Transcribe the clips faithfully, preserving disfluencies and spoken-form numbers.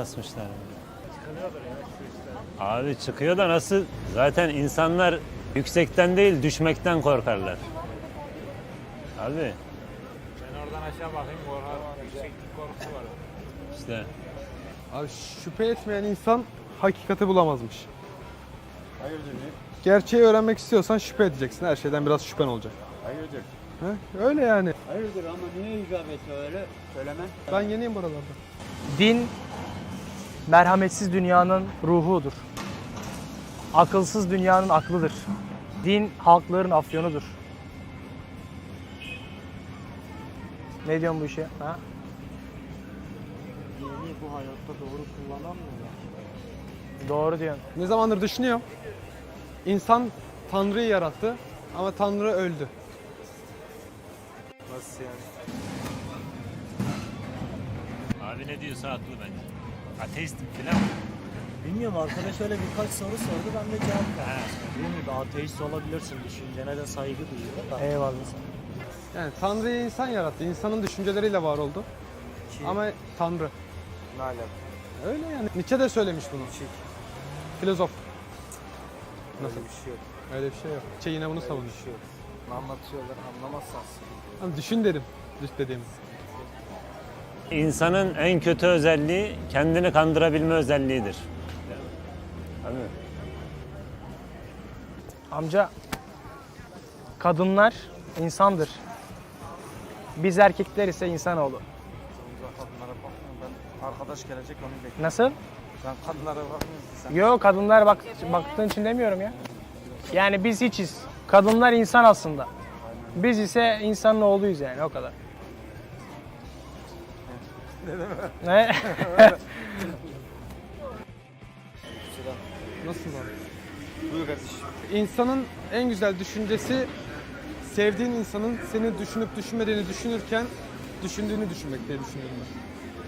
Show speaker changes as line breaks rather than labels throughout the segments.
asmışlar. Abi çıkıyor da nasıl? Zaten insanlar yüksekten değil düşmekten korkarlar. Abi.
Ben oradan aşağı bakayım, korkar, yükseklik korkusu var.
İşte.
Abi şüphe etmeyen insan hakikati bulamazmış.
Hayırdır ne?
Gerçeği öğrenmek istiyorsan şüphe edeceksin. Her şeyden biraz şüphen olacak.
Hayırdır?
He? Öyle yani.
Hayırdır ama niye icap etti öyle söylemen?
Ben yeniyim buralarda.
Din, merhametsiz dünyanın ruhudur. Akılsız dünyanın aklıdır. Din, halkların afyonudur. Ne diyorsun bu işe? Ha?
Dini bu hayatta doğru kullanamıyorlar.
Doğru diyorsun.
Ne zamandır düşünüyorum. İnsan Tanrı'yı yarattı ama Tanrı öldü.
Nasıl yani?
Abi ne diyorsa haklı bence. Ateistim filan.
Bilmiyorum, arkadaş öyle birkaç soru sordu, ben de cevap verdim. Dediğim gibi ateist olabilirsin, düşüncene de saygı duyuyor da.
Eyvallah.
Yani Tanrı'yı insan yarattı. İnsanın düşünceleriyle var oldu.
Ki,
Ama Tanrı.
ne alaka?
Öyle yani. Nietzsche de söylemiş bunu.
Çek.
Filozof.
Nasıl bir şey yok.
Öyle bir şey yok. Nietzsche yine bunu
Öyle
savunuyor.
bir şey yok. Ne anlatıyorlar anlamazsan sıkıntı.
Ama düşün dedim. Düş dediğimiz.
İnsanın en kötü özelliği kendini kandırabilme özelliğidir. Abi.
Amca, kadınlar insandır. Biz erkekler ise insanoğlu.
Kadınlara bakmıyorum, ben arkadaş gelecek onu bekliyorum.
Nasıl?
Ben kadınlara bakmıyorum ki sen.
Yok, kadınlar bak, baktığın için demiyorum ya. Yani biz hiçiz. Kadınlar insan aslında. Biz ise insanın oğluyuz yani, o kadar. Ne?
Nasıl var?
Buyur kardeşim.
İnsanın en güzel düşüncesi sevdiğin insanın seni düşünüp düşünmediğini düşünürken düşündüğünü düşünmek diye düşünüyorum ben.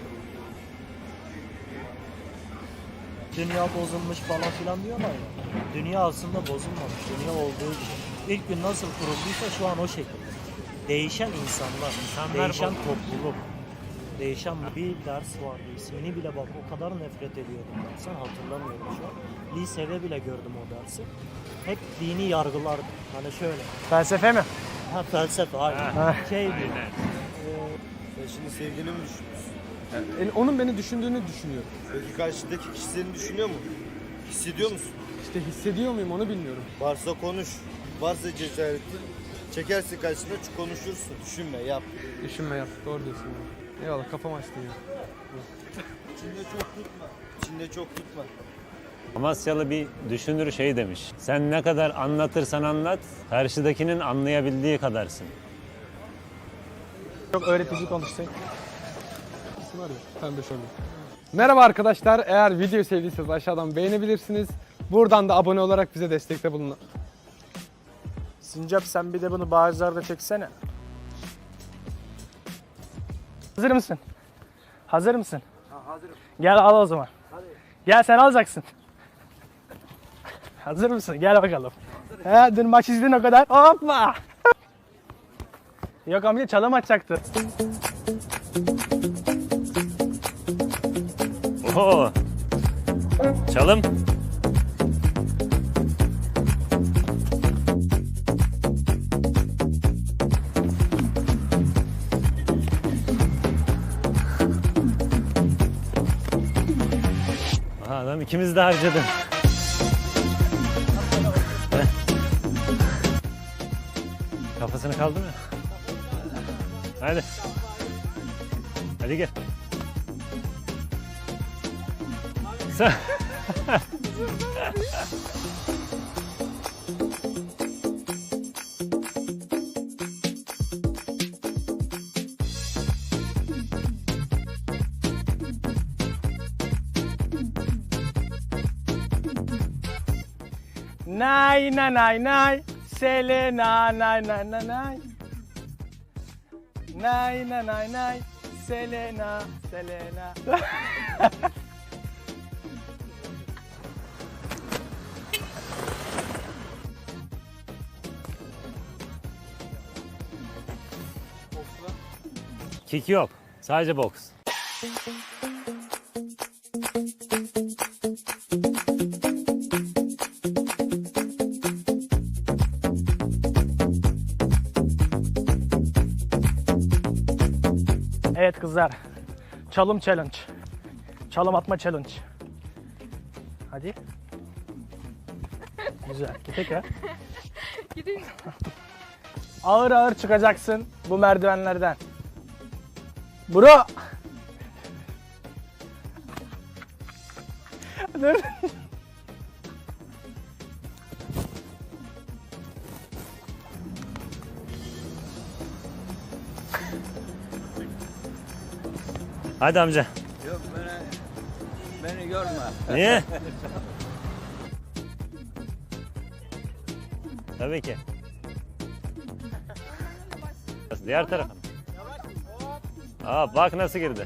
Dünya bozulmuş falan filan diyorlar ya. Dünya aslında bozulmamış. Dünya olduğu gibi. İlk gün nasıl kurulduysa şu an o şekilde. Değişen insanlar,
İnsanlar
değişen
bozulmuş.
topluluk, değişen bir ders vardı. İsmini bile bak o kadar nefret ediyordum ben. Sen hatırlamıyorum şu an. Lisede bile gördüm o dersi. Hep dini yargılardı. Hani şöyle.
Felsefe mi?
Ha felsefe hayır.
Ha,
Şey diyor.
aynen.
Sen şimdi sevgilini mi düşünüyorsun?
Yani onun beni düşündüğünü düşünüyorum.
Peki karşıdaki kişi seni düşünüyor mu? Hissediyor musun?
İşte hissediyor muyum onu bilmiyorum.
Varsa konuş. Varsa cesaretin. Çekersin karşına konuşursun. Düşünme yap.
Düşünme yap. Doğru diyorsun. Ya. Eyvallah kafam açtı ya.
İçinde çok tutma. İçinde çok tutma.
Amasyalı bir düşünür şey demiş. Sen ne kadar anlatırsan anlat, karşıdakinin anlayabildiği kadarsın.
Çok öğretici konuştun.
Var ya, sen de şöyle. Merhaba arkadaşlar. Eğer videoyu sevdiyseniz aşağıdan beğenebilirsiniz. Buradan da abone olarak bize destekte bulunun.
Sincap, sen bir de bunu bağızlarda çeksene. Hazır mısın? Hazır mısın?
Ha, hazırım.
Gel al o zaman.
Hadi.
Gel sen alacaksın. Hazır mısın? Gel bakalım. He, dün maç izledin o kadar. Hoppa! Yok amca, çalım atacaktı.
Oho! Çalım. Aha, adam ikimiz de harcadı. Kafasını kaldı mı? Hadi. Hadi gel. Sen...
Nay nay nay nay. Selena nay nay nay nay. Nay nay nay nay. Selena, Selena.
Kick yok. Sadece boks.
Evet kızlar. Çalım challenge. Çalım atma challenge. Hadi. Güzel. Tekrar.
Gidin.
Ağır ağır çıkacaksın bu merdivenlerden. Bro. Dur.
Hadi amca.
Yok beni, beni görme.
Niye? Tabii ki. Diğer tarafa. Aa bak nasıl girdi.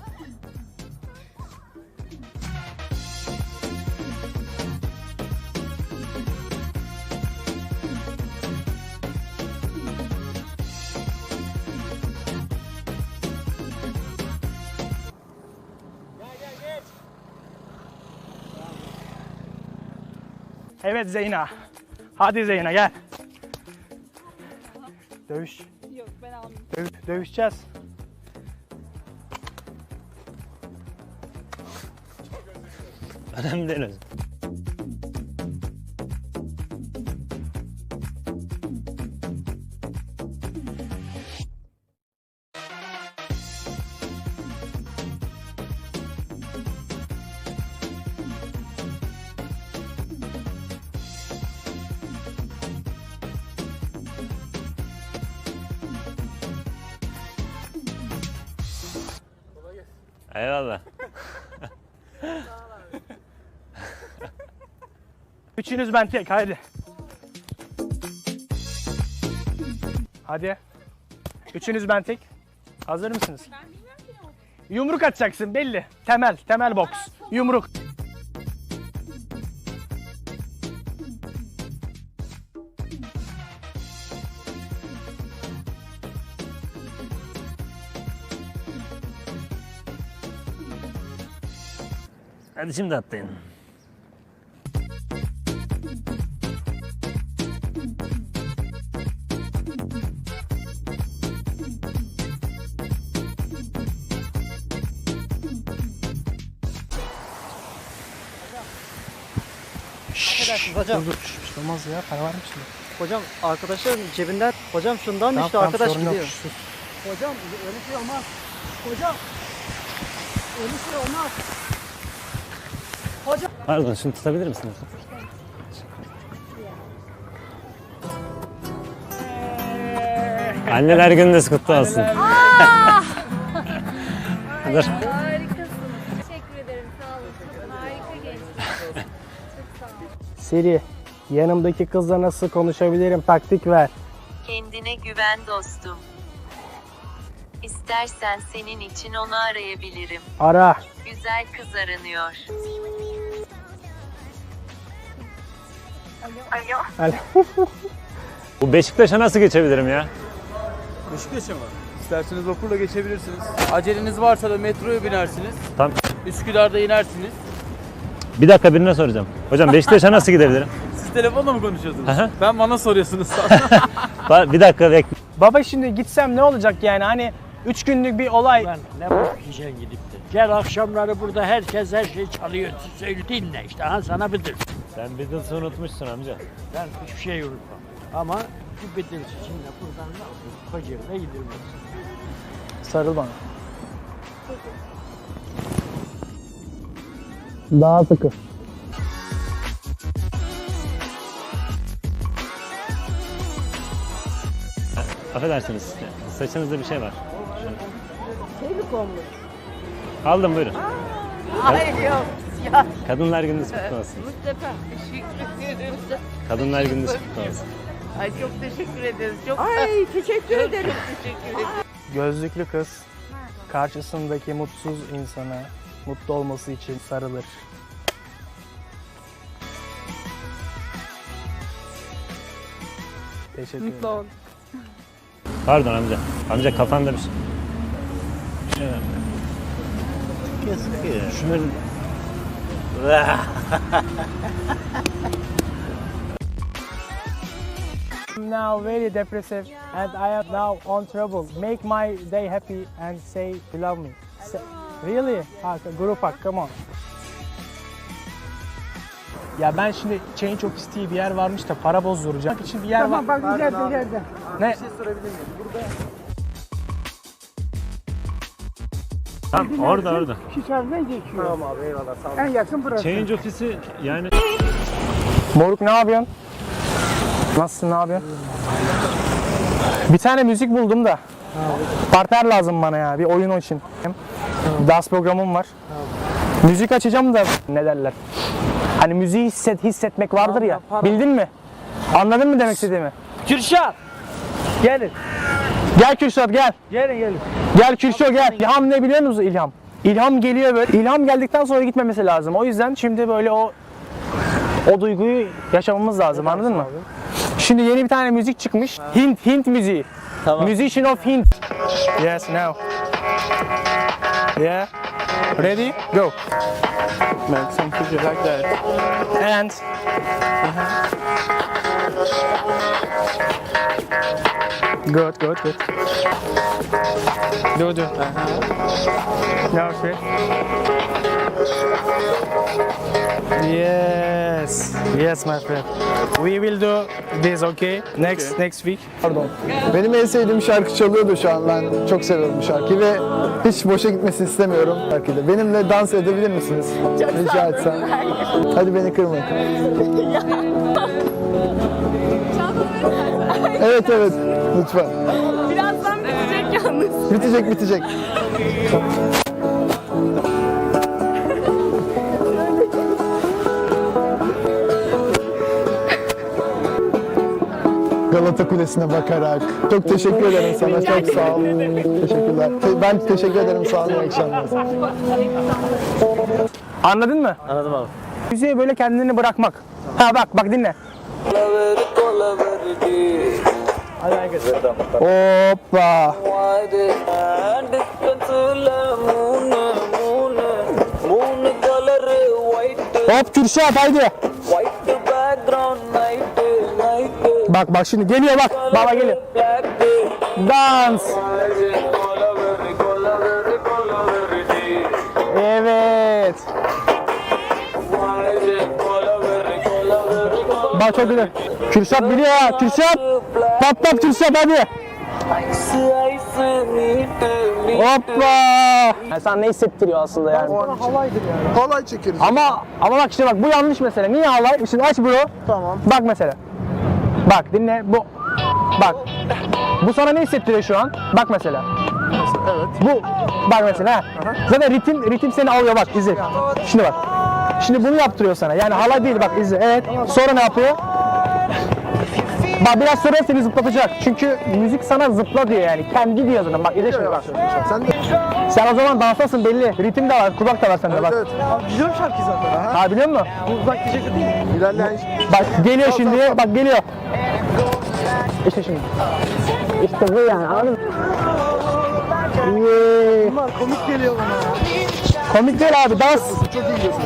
Evet Zeyna. Hadi Zeyna gel. Dövüş.
Yok ben almayayım.
Döv- dövüşeceğiz.
Önemli değil. Eyvallah.
Üçünüz ben tek hadi. Hadi. Üçünüz ben tek. Hazır mısınız?
Ben bilmiyorum ki ne oldu.
Yumruk atacaksın belli. Temel, temel boks. Yumruk.
Hadi şimdi atlayın.
Hocam,
Dur dur. Şş, olmaz ya. Para var mı şimdi?
hocam arkadaşların cebinden, hocam şundan
Tamam,
işte
tamam,
arkadaş
sorun yok.
gidiyor.
Sus.
Hocam öyle şey olmaz. Hocam öyle şey olmaz.
Pardon şunu tutabilir misiniz? Anneler gününüz kutlu olsun. Dur.
Harikasınız. Teşekkür ederim. Sağ olun. Çok harika gençler. Çok sağ olun.
Siri, yanımdaki kızla nasıl konuşabilirim? Taktik ver.
Kendine güven dostum. İstersen senin için onu arayabilirim.
Ara.
Güzel kız aranıyor. Alo.
Bu Beşiktaş'a nasıl geçebilirim ya?
Beşiktaş'a mı? İsterseniz vapurla geçebilirsiniz. Aceleniz varsa da metroya binersiniz.
Tamam.
Üsküdar'da inersiniz.
Bir dakika birine soracağım. Hocam Beşiktaş'a nasıl gidebilirim?
Siz telefonla mı konuşuyorsunuz?
Aha.
Ben bana soruyorsunuz.
Ba- Bir dakika bekle.
Baba şimdi gitsem ne olacak yani? Hani üç günlük bir olay.
Lan ne bakacaksın gidip de. Gel akşamları burada herkes her şeyi çalıyor. Söyle dinle işte. Ha sana Beatles.
Sen Beatles'ı unutmuşsun amca.
Ben hiçbir şey unutmam. Ama bu Beatles için de buradan ne yapayım? Kocaeli'ne gidilmez.
Sarıl bana. Daha sıkı.
Affedersiniz. Saçınızda bir şey var. Şey mi konmuş? Aldım buyurun.
Hayır yok. Ya
Kadınlar gününüz kutlu olsun.
Mustafa. Teşekkür ederim.
Kadınlar gününüz kutlu olsun.
Ay çok teşekkür ederiz. Çok Ay teşekkür ederim. Teşekkür ederim.
Gözlüklü kız karşısındaki mutsuz insana mutlu olması için sarılır. Teşekkür ederim.
Mutlu ol.
Pardon amca. Amca kafanda bir şey. Bir şey var. Şunları
I'm now very depressive and I am now on trouble. Make my day happy and say you love me. Say, really? Ha, group hug, come on. Ya ben şimdi Change Office diye bir yer varmış da para bozduracağım. Bak için bir yer
Tamam
var.
bak ileride ileride.
Ne?
Bir şey sorabilir miyim? Burada
Tamam orada orada.
Şu çarpıdan geçiyor.
tamam abi eyvallah sağ olun.
En yakın burası.
Change ofisi yani
Moruk ne yapıyorsun? Nasılsın, ne yapıyorsun? Bir tane müzik buldum da. Partner lazım bana ya bir oyun için. Dans programım var. Müzik açacağım da ne derler? Hani müziği hisset, hissetmek vardır ya. Bildin mi? Anladın mı demek istediğimi?
Kürşat! Gelin.
Gel Kürşat gel.
Gelin gelin.
Gel Kürşat gel. İlham ne biliyor musun İlham? İlham geliyor böyle. İlham geldikten sonra gitmemesi lazım. O yüzden şimdi böyle o o duyguyu yaşamamız lazım. Anladın mı? Şimdi yeni bir tane müzik çıkmış. Hint, Hint müziği.
Tamam.
Musician of Hint. Yes, now. Yeah. Ready? Go.
Make some picture like that.
And good, good, good. Do, do. Now, okay. Yes, yes, my friend. We will do this, okay? Next, next week.
Pardon. Benim en sevdiğim şarkı çalıyordu şu an. Ben çok seviyorum bu şarkıyı ve hiç boşa gitmesini istemiyorum şarkıyla. Benimle dans edebilir misiniz? Rica etsem. Hadi beni kırmayın. Evet evet. Lütfen.
Birazdan bitecek yalnız.
Bitecek bitecek. Galata Kulesi'ne bakarak. Çok teşekkür ederim sana. Çok sağ ol. Teşekkürler. Ben teşekkür ederim. Sağ olun. İyi akşamlar.
Anladın mı?
Anladım abi.
Müziğe böyle kendini bırakmak. Ha bak bak dinle. Hoppa. Hop Kürşat haydi. Bak bak şimdi geliyor bak. Baba geliyor. Dans. Evet. Bak çok güzel. Kürşat biliyor ha. Kürşat. Patlat Kürşat hadi. Hoppa. Yani sana ne hissettiriyor aslında yani?
Halaydır yani. Halay çekeriz.
Ama ama bak işte bak bu yanlış mesele. Niye halay? Şimdi aç bro.
Tamam.
Bak mesela. Bak dinle bu. Bak. Bu sana ne hissettiriyor şu an? Bak mesela.
Evet.
Bu. Bak mesela. Ha. Zaten ritim ritim seni alıyor bak izle. Şimdi bak. Şimdi bunu yaptırıyor sana. Yani halay değil bak izle. Evet. Sonra ne yapıyor? Bak biraz sonra seni zıplatacak. Çünkü müzik sana zıpla diyor yani. Kendi diyor zaten. Bak izle şimdi bak.
Sen de.
Sen o zaman danstasın belli. Ritim de var, kulak da var sende bak.
Evet.
Abi biliyorum şarkıyı zaten.
Ha biliyor musun?
Bu uzak diyecek değil mi?
İlerleyen
Bak geliyor şimdi. Bak geliyor. İşte şimdi. İşte bu yani anladın mı? Yeah.
bunlar komik geliyor bana.
Komik değil abi dans.
Çok iyi gidiyorsun.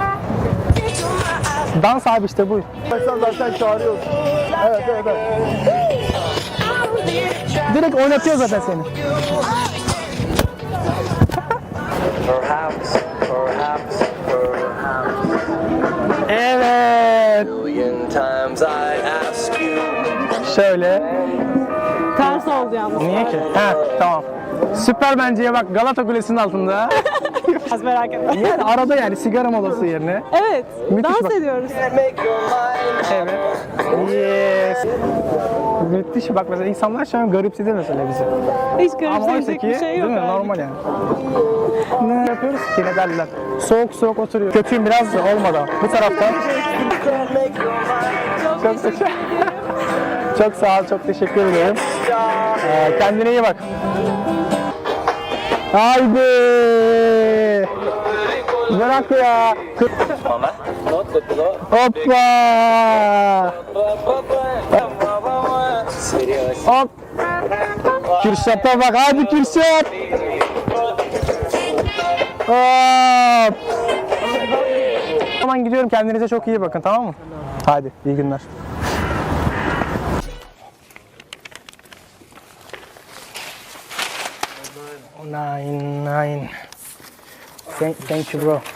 Dans abi işte bu.
Sen zaten çağırıyorsun. Evet evet evet.
Direkt oynatıyor zaten seni. Evet. Şöyle.
Ters oldu yalnız.
Niye ki? Ha tamam. Süper benceye bak Galata Kulesi'nin altında.
Az merak etme.
Yani arada yani sigara molası yerine.
Evet.
Müthiş
dans
bak.
ediyoruz.
Evet. Yes. Müthiş bak mesela insanlar şu an garipsedi mesela bizi.
Hiç
Ama oysa
garipseyecek
ki
bir şey yok.
değil mi?
abi.
Normal yani. Ne yapıyoruz ki ne derler? Soğuk soğuk oturuyor. Kötüyüm biraz da olmadan. Bu tarafta. Çok teşekkür Çok sağ ol, çok teşekkür ederim. Ee, kendine iyi bak. Haydi. Bırak ya. Hoppa. Hop. Kürşat'a bak, hadi Kürşat. Hop. zaman gidiyorum. Kendinize çok iyi bakın, tamam mı? Hadi iyi günler. Nine, nine. Thank, thank you, bro.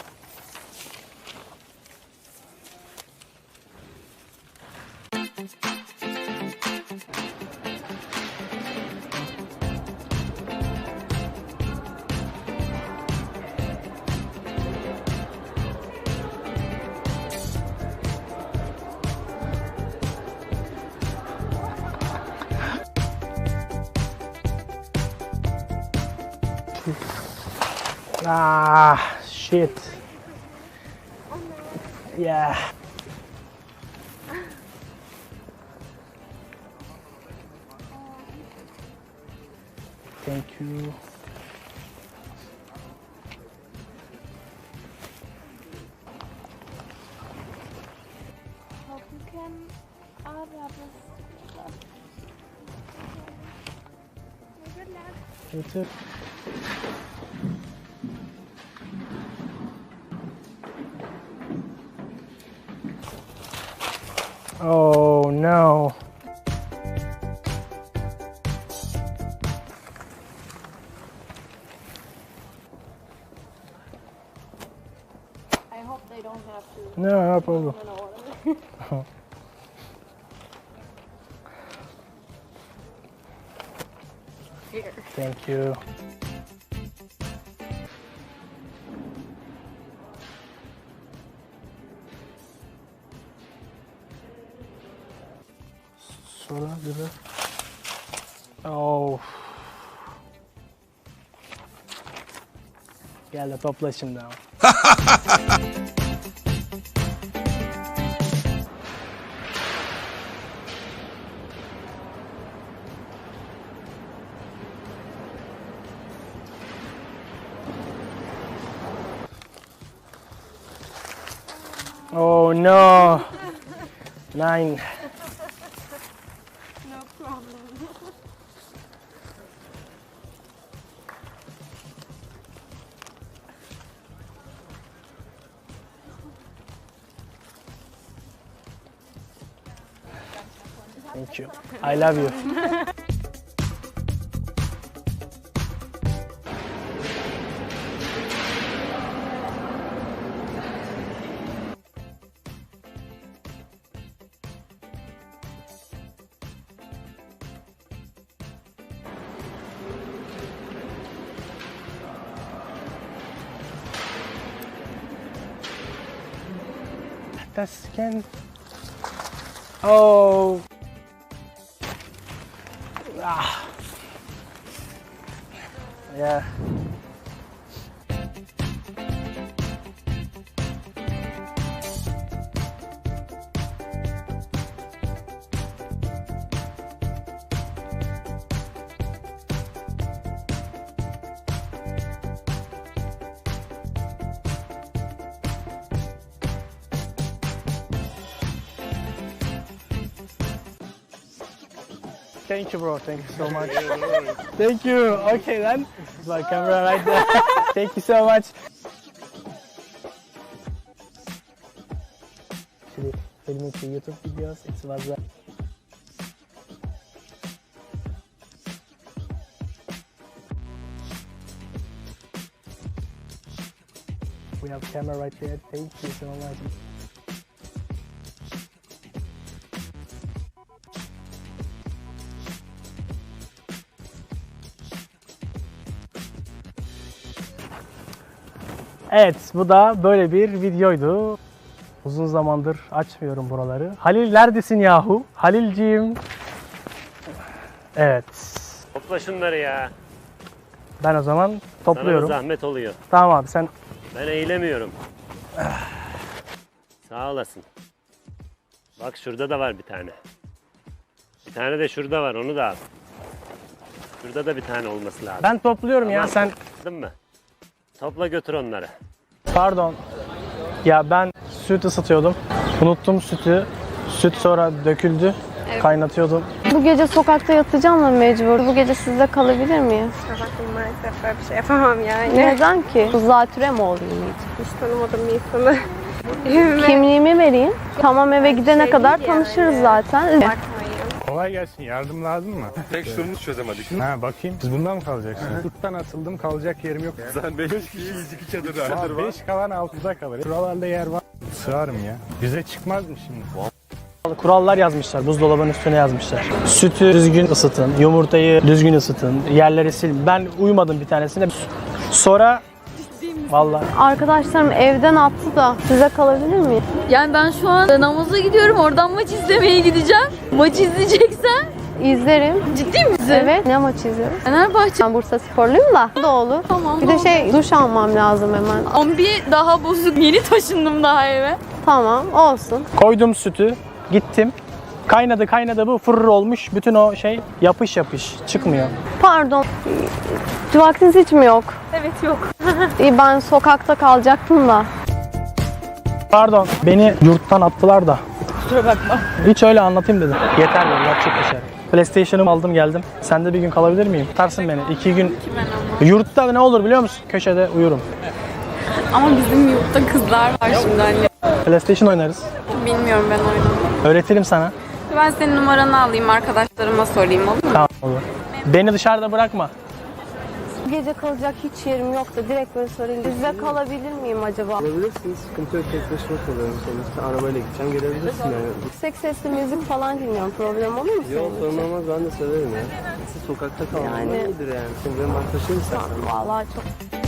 Ah, shit. Yeah. Thank you. You too. Oh no.
I hope they don't have to.
No, no problem.
Here.
Thank you. Sonra gibi. Oh. Gel de topla şimdi ama. Oh no. Nine.
No problem.
Thank you. I love you. Das can. Oh. Ah. Yeah. Thank you, bro. Thank you so much. Thank you. Okay, then. My camera right there. Thank you so much. Actually, filming the YouTube videos, it was uh, we have camera right there. Thank you so much. Evet, bu da böyle bir videoydu. Uzun zamandır açmıyorum buraları. Halil neredesin yahu? Halilciğim. Evet.
Topla şunları ya.
Ben o zaman topluyorum.
Sana da zahmet oluyor.
Tamam abi sen...
Ben eğilemiyorum. Sağ olasın. Bak şurada da var bir tane. Bir tane de şurada var, onu da al. Şurada da bir tane olması lazım.
Ben topluyorum
Tamam.
ya sen...
Anladın mı? Topla götür onları.
Pardon. Ya ben süt ısıtıyordum. Unuttum sütü. Süt sonra döküldü.
Evet.
Kaynatıyordum.
Bu gece sokakta yatacağım mı mecbur? Bu gece sizde kalabilir miyim?
Bakın maalesef böyle bir şey yapamam yani.
Neden ki? Zatüre mi olayım hiç?
Hiç tanımadığım bir insanı
Kimliğimi vereyim. Tamam, eve gidene kadar tanışırız zaten.
Kolay gelsin. Yardım lazım mı?
Tek sorunu çözemedik.
Ha bakayım. Siz bundan mı kalacaksınız? Yurttan atıldım, kalacak yerim yok.
Zaten beş kişiyiz, iki çadır var.
beş kalan altıda kalır. Şuralarda yer var. Sığarım ya. Bize çıkmaz mı şimdi?
Kurallar yazmışlar, buzdolabının üstüne yazmışlar. Sütü düzgün ısıtın, yumurtayı düzgün ısıtın, yerleri silin. Ben uyumadım bir tanesine. Sonra vallahi
Arkadaşlarım evden attı da size kalabilir miyim?
Yani ben şu an namaza gidiyorum. Oradan maç izlemeye gideceğim. Maç izleyeceksen
İzlerim.
ciddi misin?
Evet. Ne maçı izliyoruz?
Fenerbahçe.
Ben Bursa sporluyum da. Bu da olur.
Tamam.
Bir de şey, duş almam lazım hemen.
Ama bir daha bozuk. Yeni taşındım daha eve.
Tamam, olsun.
koydum sütü, gittim. Kaynadı kaynadı bu fırır olmuş. Bütün o şey yapış yapış çıkmıyor.
Pardon. Vaktiniz hiç mi yok?
Evet yok.
İyi, ben sokakta kalacaktım da.
Pardon, beni yurttan attılar da.
Kusura bakma.
Hiç öyle anlatayım dedim. Yeter dedi, çık dışarı. PlayStation'ımı aldım geldim. Sen de bir gün kalabilir miyim? Tutarsın beni. İki gün. Yurtta ne olur biliyor musun? Köşede uyurum.
Ama bizim yurtta kızlar var şimdi anne.
PlayStation oynarız.
Bilmiyorum ben oynamam.
Öğretirim sana.
Ben senin numaranı alayım, arkadaşlarıma sorayım, olur mu?
Tamam olur. Beni dışarıda bırakma.
Gece kalacak hiç yerim yok da direkt böyle sorayım. Size kalabilir miyim acaba?
Kalabilirsiniz. Sıkıntı yok. Tek başıma kalıyorum. Sonuçta arabayla gideceğim. Gelebilirsin yani.
Yüksek sesli müzik falan dinliyorum. Problem olur mu
Yok,
senin
sorun
için?
olmaz. Ben de severim ya. Siz sokakta kalmanız
Yani-
iyidir yani. Sen benim arkadaşım istersen.
Vallahi çok.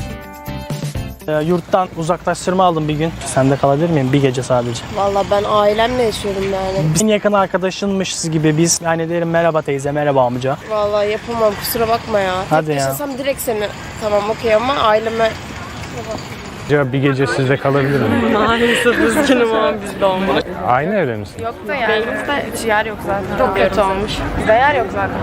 Ee, yurttan uzaklaştırma aldım bir gün. Sende kalabilir miyim? Bir gece sadece.
Vallahi ben ailemle yaşıyorum yani.
En yakın arkadaşınmışız gibi biz. Yani derim merhaba teyze, merhaba amca.
Vallahi yapamam, kusura bakma ya.
Hadi
Tek
ya.
yaşasam direkt seni tamam okey ama aileme...
Acaba bir gece sizde kalabilir miyim?
Maalesef üzgünüm ama bizde olmaz.
Aynı evde misin?
Yok da yani. Bizde hiç yer yok zaten. Çok kötü olmuş. Bizde yer yok zaten.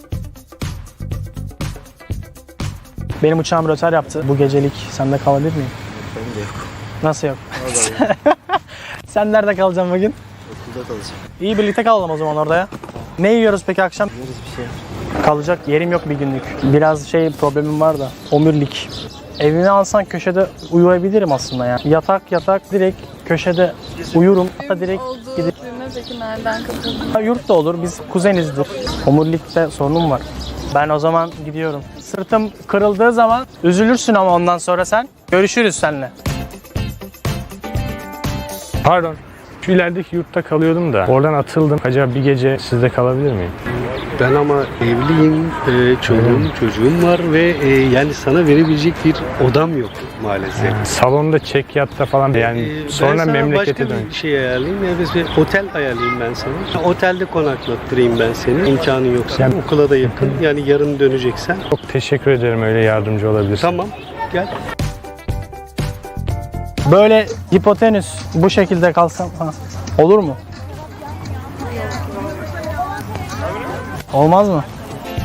Benim uçağım rötar yaptı. Bu gecelik sende kalabilir miyim?
Benim de yok.
Nasıl yok? Sen nerede kalacaksın bugün?
Okulda kalacağım.
İyi birlikte kalalım o zaman orada ya. Ne yiyoruz peki akşam?
Yeriz bir şey.
Kalacak yerim yok bir günlük. Biraz şey problemim var da. Omurilik. Evimi alsan köşede uyuyabilirim aslında ya. Yatak yatak direkt köşede uyurum. Hatta direkt gidip.
Peki nereden katıldın?
Yurt da olur. Biz kuzenizdir. Omurilikte sorunum var. Ben o zaman gidiyorum. Sırtım kırıldığı zaman üzülürsün ama ondan sonra sen. Görüşürüz seninle.
Pardon. Şu ilerideki yurtta kalıyordum da. Oradan atıldım. Acaba bir gece sizde kalabilir miyim?
Ben ama evliyim, e, çocuğum, çocuğum var ve e, yani sana verebilecek bir odam yok maalesef.
Yani salonda çek yatta falan yani
E,
sonra
ben sana
memlekete
başka
dön.
bir şey ayarlayayım. Yani bir otel ayarlayayım ben sana. Otelde konaklattırayım ben seni. İmkanın yoksa.
Yani-
Okula da yakın. Yani yarın döneceksen.
Çok teşekkür ederim öyle yardımcı olabilirsin.
Tamam, gel.
Böyle hipotenüs bu şekilde kalsam ha, olur mu? Olmaz mı?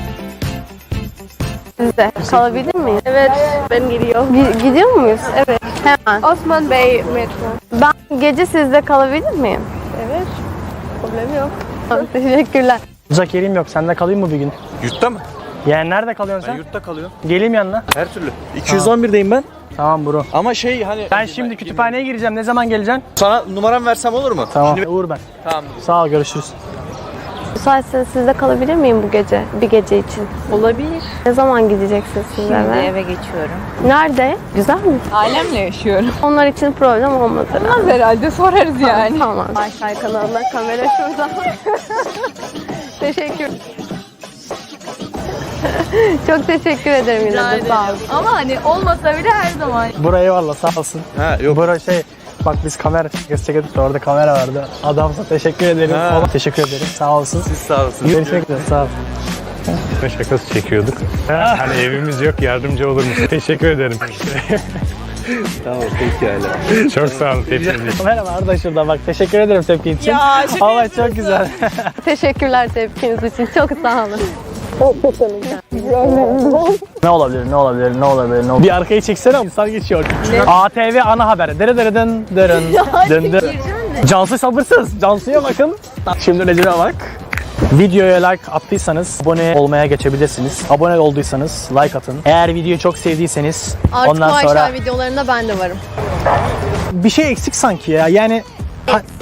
Sizde kalabilir miyim?
Evet, ben geliyor.
Gi- gidiyor muyuz? Evet. Hemen.
Osman Bey metro.
Ben gece sizde kalabilir miyim?
Evet, problem yok.
Teşekkürler.
Uzak yerim yok. Sende kalayım mı bir gün?
Yurtta mı?
Yani nerede kalıyorsun
Ben
sen?
yurtta kalıyorum.
Geleyim yanına.
Her türlü. iki yüz on birdeyim ben.
Tamam bro.
Ama şey hani...
Ben şimdi kütüphaneye gireceğim. Ne zaman geleceksin?
Sana numaram versem olur mu?
Tamam. Uğur ben.
Tamam.
Sağ ol, görüşürüz.
Müsaitseniz sizde kalabilir miyim bu gece? Bir gece için.
Olabilir.
Ne zaman gideceksiniz siz
Şimdi
eve?
eve geçiyorum.
Nerede? Güzel mi?
Ailemle yaşıyorum.
Onlar için problem olmaz herhalde.
Olmaz herhalde, sorarız yani.
Tamam. Ayşay kanalına kamera şurada. Teşekkür. Çok teşekkür ederim yine de, sağ olun.
Ama hani olmasa bile her zaman.
Buraya eyvallah, sağ olsun.
Ha yok.
Bura şey, bak biz kamera çekiyorduk da orada kamera vardı. Adamsa teşekkür ederim.
Ha.
Ona teşekkür ederim. Sağ olsun.
Siz sağ olsun.
Görüşmek üzere, sağ ol.
Şakası çekiyorduk. Hani evimiz yok yardımcı olur musun? Teşekkür ederim.
Tamam, peki hala.
Çok sağ olun tepkiniz için.
Merhaba Arda şurada bak. Teşekkür ederim tepkin için.
Ya, şaka
Allah çok güzel.
Teşekkürler tepkiniz için. Çok sağ olun.
Ne olabilir, ne olabilir, ne olabilir, ne olabilir? Bir arkayı çeksene, insan geçiyor. A T V ana haber. Dere dere dın dırın. Dın dın. Cansu sabırsız. Cansu'ya bakın. Şimdi Recep'e bak. Videoya like attıysanız abone olmaya geçebilirsiniz. Abone olduysanız like atın. Eğer videoyu çok sevdiyseniz
Artık
ondan
bu
sonra
Ayşay videolarında ben de varım.
bir şey eksik sanki ya. Yani pa-